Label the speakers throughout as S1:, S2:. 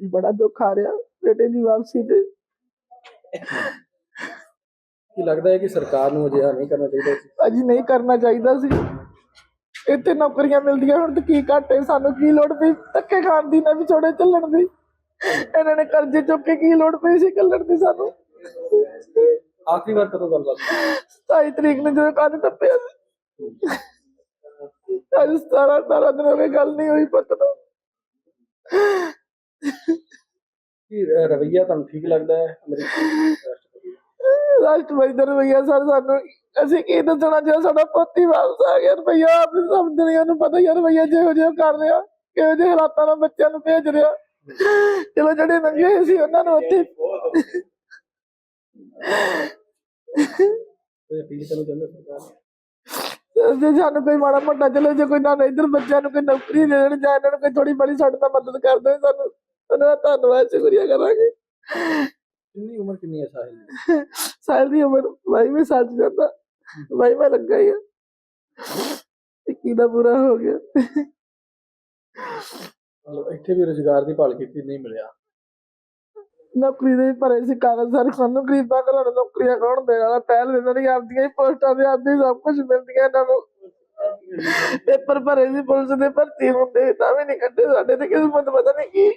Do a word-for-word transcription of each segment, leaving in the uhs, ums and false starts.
S1: बड़ा दुख आ रहा बेटे की वापसी ते।
S2: ਕੀ ਲੱਗਦਾ ਹੈ ਕਿ ਸਰਕਾਰ ਨੂੰ ਅਜਿਹਾ ਨਹੀਂ ਕਰਨਾ ਚਾਹੀਦਾ ਸੀ?
S1: भाजी नहीं करना चाहिए सी। इतने नौकरियां मिलदियां हुण ते की घट है, सानू की लोड़ पई धक्के खाण दी, ना विछोड़े चलण दी। इन्हां ने कर्जे चुक के की लोड़ पई सी घल्लण दी सानू।
S2: ਆਖਰੀ ਵਾਰ ਕਦੋਂ ਗੱਲਬਾਤ ਹੋਈ?
S1: सताई तरीक ने जो कंध टप्पिया अज सतारह अठारह दिन हो गए गल नहीं हुई पुत्त नूं।
S2: ਕੀ ਅ, ਰਵੱਈਆ ਤੁਹਾਨੂੰ ਠੀਕ ਲੱਗਦਾ ਹੈ ਅਮਰੀਕੀ ਰਾਸ਼ਟਰਪਤੀ ਦਾ?
S1: राष्ट्रपति का रवैया सर सानू असीं की दसना जो साडा पुत्त ही वापस आ गया। रवैया आप सब दुनिया नूं पता ही है रवैया जिहो जिहा कर रहा, किहो ਜਿਹੇ हालातां नाल बच्चों नूं भेज रहा। चलो ਜਿਹੜੇ ਨੰਗੇ ਹੋਏ ਸੀ ਉਹਨਾਂ ਨੂੰ ਉੱਥੇ
S2: ਕੋਈ ਅਪੀਲ ਕਰਨਾ ਚਾਹੁੰਦੇ ਸਰਕਾਰ ਨੂੰ?
S1: ਜੇ ਸਾਨੂੰ ਕੋਈ ਮਾੜਾ ਮੋਟਾ ਚਲੋ ਜੇ ਕੋਈ ਨਾ ਇੱਧਰ ਬੱਚਿਆਂ ਨੂੰ ਕੋਈ ਨੌਕਰੀ ਦੇ ਦੇਣ ਜਾਂ ਇਹਨਾਂ ਨੂੰ ਕੋਈ ਥੋੜੀ ਬੜੀ ਸਾਡੇ ਨਾਲ ਮਦਦ ਕਰ ਦੇਣ, ਸਾਨੂੰ ਉਹਨਾਂ ਦਾ ਧੰਨਵਾਦ ਸ਼ੁਕਰੀਆ ਕਰਾਂਗੇ।
S2: ਕਿੰਨੀ ਉਮਰ ਕਿੰਨੀ ਹੈ ਸਾਹਿਲ ਦੀ?
S1: साल की उम्र भाई में सच जाता भाई मैं लगा ही है इक्की दा पूरा हो गया।
S2: ਮਤਲਬ ਇੱਥੇ ਵੀ ਰੁਜ਼ਗਾਰ ਦੀ ਭਾਲ ਕੀਤੀ, ਨਹੀਂ ਮਿਲਿਆ।
S1: नौकरी दे भरे से कागज सारे सानू गरीबां घरों नौकरियां कौन देने वाला? पहल देना नहीं, आपदियां ही पोस्टां ते आपदी सब कुछ मिलदियां इन्हां नूं। पेपर भरे सी पुलिस दे भर्ती हुंदे तां भी नहीं कड्डे, साडे ते किस्मत पता नहीं की।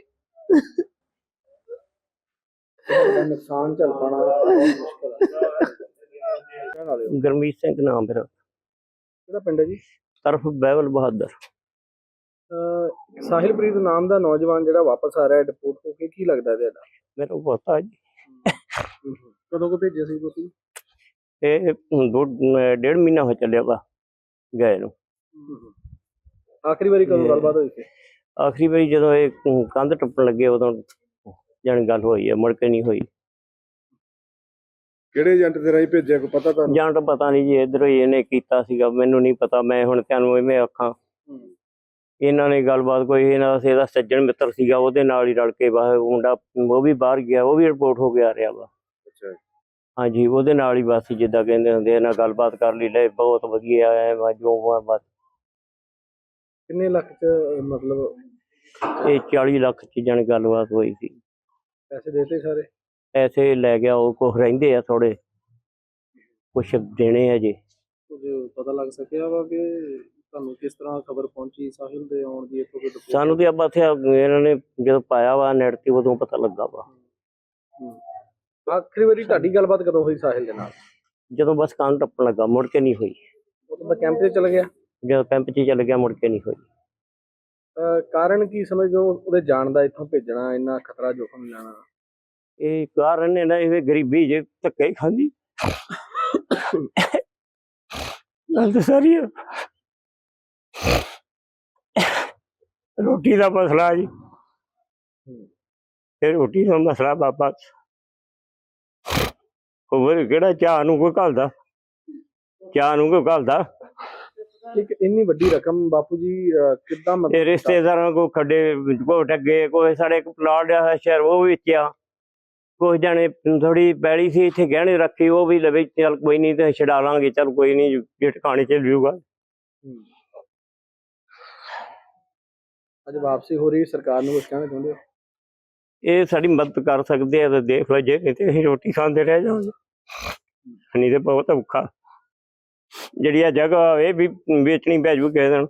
S2: ਇਹਦਾ ਨੁਕਸਾਨ ਝੱਲ ਪਾਉਣਾ ਬਹੁਤ ਮੁਸ਼ਕਲ ਹੈ। ਕਹਿਣ ਵਾਲੇ ਹੋ?
S3: ਗੁਰਮੀਤ ਸਿੰਘ ਨਾਮ ਮੇਰਾ,
S2: ਕਿਹੜਾ ਪਿੰਡ ਹੈ ਜੀ?
S3: ਤਰਫ ਬਹਿਬਲ ਬਹਾਦਰ।
S2: ਅਹ ਸਾਹਿਲਪ੍ਰੀਤ ਨਾਮ ਦਾ ਨੌਜਵਾਨ ਜਿਹੜਾ ਵਾਪਸ ਆ ਰਿਹਾ ਡਿਪੋਰਟ ਹੋ ਕੇ, ਕੀ ਲੱਗਦਾ ਤੁਹਾਡਾ?
S3: ਮੇਰਾ ਪੋਤਾ ਜੀ,
S2: ਕਦੋਂ ਕੋ ਭੇਜਿਆ ਸੀ ਤੁਸੀਂ?
S3: ਇਹ ਦੋ ਡੇਢ ਮਹੀਨਾ ਹੋ ਚੱਲਿਆ ਵਾ ਗਏ ਨੂੰ।
S2: ਆਖਰੀ ਵਾਰੀ ਕਦੋਂ ਗੱਲਬਾਤ ਹੋਈ ਸੀ?
S3: ਆਖਰੀ ਵਾਰੀ ਜਦੋਂ ਇਹ ਕੰਧ ਟੱਪਣ ਲੱਗੇ ਉਦੋਂ ਜਾਣੀ ਗੱਲ ਹੋਈ ਹੈ, ਮੁੜ ਕੇ ਨਹੀਂ ਹੋਈ।
S2: ਕਿਹੜੇ ਏਜੰਟ ਦੇ ਰਾਹੀਂ ਭੇਜਿਆ, ਕੋਈ ਪਤਾ ਤੁਹਾਨੂੰ?
S3: ਜਾਂ ਤਾਂ ਪਤਾ ਨਹੀਂ ਜੀ, ਇੱਧਰੋਂ ਹੀ ਇਹਨੇ ਕੀਤਾ ਸੀਗਾ, ਮੈਨੂੰ ਨਹੀਂ ਪਤਾ। ਮੈਂ ਹੁਣ ਤੁਹਾਨੂੰ ਇਵੇਂ ਆਖਾਂ, ਇਹਨਾਂ ਨੇ ਗੱਲਬਾਤ ਕੋਈ ਇਹਨਾਂ ਦਾ ਇਹਦਾ ਸੱਜਣ ਮਿੱਤਰ ਸੀਗਾ, ਉਹਦੇ ਨਾਲ ਹੀ ਰਲ ਕੇ ਬਸ ਮੁੰਡਾ ਉਹ ਵੀ ਬਾਹਰ ਗਿਆ, ਉਹ ਵੀ ਰਿਪੋਰਟ ਹੋ ਕੇ ਆ ਰਿਹਾ ਵਾ।
S2: ਅੱਛਾ,
S3: ਹਾਂਜੀ, ਉਹਦੇ ਨਾਲ ਹੀ ਬਸ ਜਿੱਦਾਂ ਕਹਿੰਦੇ ਹੁੰਦੇ ਇਹਨਾਂ ਗੱਲਬਾਤ ਕਰ ਲਈ, ਲੈ ਬਹੁਤ ਵਧੀਆ ਹੈ ਜੋ ਬਸ।
S2: ਕਿੰਨੇ ਲੱਖ ਚ ਮਤਲਬ
S3: ਇਹ ਚਾਲੀ ਲੱਖ ਚ ਜਾਣੀ ਗੱਲਬਾਤ ਹੋਈ ਸੀ।
S2: ਪੈਸੇ ਦੇਤੇ ਸਾਰੇ?
S3: ਪੈਸੇ ਲੈ ਗਿਆ ਉਹ, ਕੁਛ ਰਹਿੰਦੇ ਆ ਥੋੜੇ, ਕੁਛ ਦੇਣੇ ਆ ਜੀ।
S2: ਕੁਝ ਪਤਾ ਲੱਗ ਸਕਿਆ ਵਾ ਕਿ ਤੁਹਾਨੂੰ ਕਿਸ ਤਰ੍ਹਾਂ ਖਬਰ ਪਹੁੰਚੀ ਸਾਹਿਲ ਦੇ ਆਉਣ ਦੀ? ਇੱਥੋਂ ਕੋਈ
S3: ਸਾਨੂੰ ਤੇ ਆਪਾਂ ਇੱਥੇ ਇਹਨਾਂ ਨੇ ਜਦੋਂ ਪਾਇਆ ਵਾ ਨੈਟ ਤੇ ਉਦੋਂ ਪਤਾ ਲੱਗਾ ਵਾ।
S2: ਆਖਰੀ ਵਾਰੀ ਤੁਹਾਡੀ ਗੱਲਬਾਤ ਕਦੋਂ ਹੋਈ ਸਾਹਿਲ ਦੇ ਨਾਲ?
S3: ਜਦੋਂ ਬਸ ਕੰਨ ਟੱਪਣ ਲੱਗਾ, ਮੁੜ ਕੇ ਨਹੀਂ ਹੋਈ।
S2: ਉਦੋਂ ਦਾ ਕੈਂਪ 'ਚ ਚਲ ਗਿਆ?
S3: ਜਦੋਂ ਕੈਂਪ 'ਚ ਚੱਲ ਗਿਆ ਮੁੜ ਕੇ ਨਹੀਂ ਹੋਈ।
S2: ਅਹ ਕਾਰਨ ਕੀ ਸਮਝਦੇ ਹੋ ਉਹਦੇ ਜਾਣ ਦਾ, ਇੱਥੋਂ ਭੇਜਣਾ, ਇੰਨਾ ਖਤਰਾ ਜੋਖਮ ਲੈਣਾ?
S3: ਇਹ ਕਾਰਨ ਨੇ ਨਾ ਇਹ ਗਰੀਬੀ ਜੇ ਧੱਕੇ ਹੀ ਖਾਂਦੀ ਗੱਲ ਤਾਂ ਸਾਰੀ ਆ। ਰੋਟੀ ਦਾ ਮਸਲਾ ਜੀ, ਇਹ ਰੋਟੀ ਦਾ ਮਸਲਾ ਬਾਬਾ। ਹੋਰ ਕਿਹੜਾ ਚਾਹ ਨੂੰ ਕੋਈ ਘੱਲਦਾ, ਚਾਹ ਨੂੰ ਕੋਈ ਘੱਲਦਾ।
S2: ਇੱਕ ਇੰਨੀ ਵੱਡੀ ਰਕਮ ਬਾਪੂ ਜੀ ਕਿੱਦਾਂ
S3: ਇਹ
S2: ਮਤਲਬ?
S3: ਰਿਸ਼ਤੇਦਾਰਾਂ ਕੋ ਖੱਡੇ ਕੋ ਠੱਗੇ, ਕੋਈ ਸਾਡੇ ਇੱਕ ਪਲਾਟ ਆ ਸ਼ਹਿਰ ਉਹ ਵੇਚਿਆ, ਕੁਛ ਜਾਣੇ ਥੋੜੀ ਪੈਲੀ ਸੀ ਇੱਥੇ ਗਹਿਣੇ ਰੱਖੀ ਉਹ ਵੀ ਲਵੇ, ਚੱਲ ਕੋਈ ਨਹੀਂ ਤੇ ਛਡਾ ਲਾਂਗੇ, ਚੱਲ ਕੋਈ ਨਹੀਂ ਜੇ ਟਿਕਾਣੇ ਚੱਲ ਜੂਗਾ।
S2: ਅੱਜ ਵਾਪਸੀ ਹੋ ਰਹੀ, ਸਰਕਾਰ ਨੂੰ ਕੁਛ ਕਹਿਣਾ ਚਾਹੁੰਦੇ ਹੋ?
S3: ਇਹ ਸਾਡੀ ਮਦਦ ਕਰ ਸਕਦੇ ਆ ਤਾਂ ਦੇਖ ਲਓ, ਜੇ ਨਹੀਂ ਤੇ ਅਸੀਂ ਰੋਟੀ ਖਾਂਦੇ ਰਹਿ ਜਾਵਾਂਗੇ, ਨਹੀਂ ਤੇ ਬਹੁਤ ਔਖਾ। ਜਿਹੜੀ ਆ ਜਗ੍ਹਾ ਇਹ ਵੀ ਵੇਚਣੀ ਪੈ ਜੂ ਕਿਸੇ ਦਿਨ।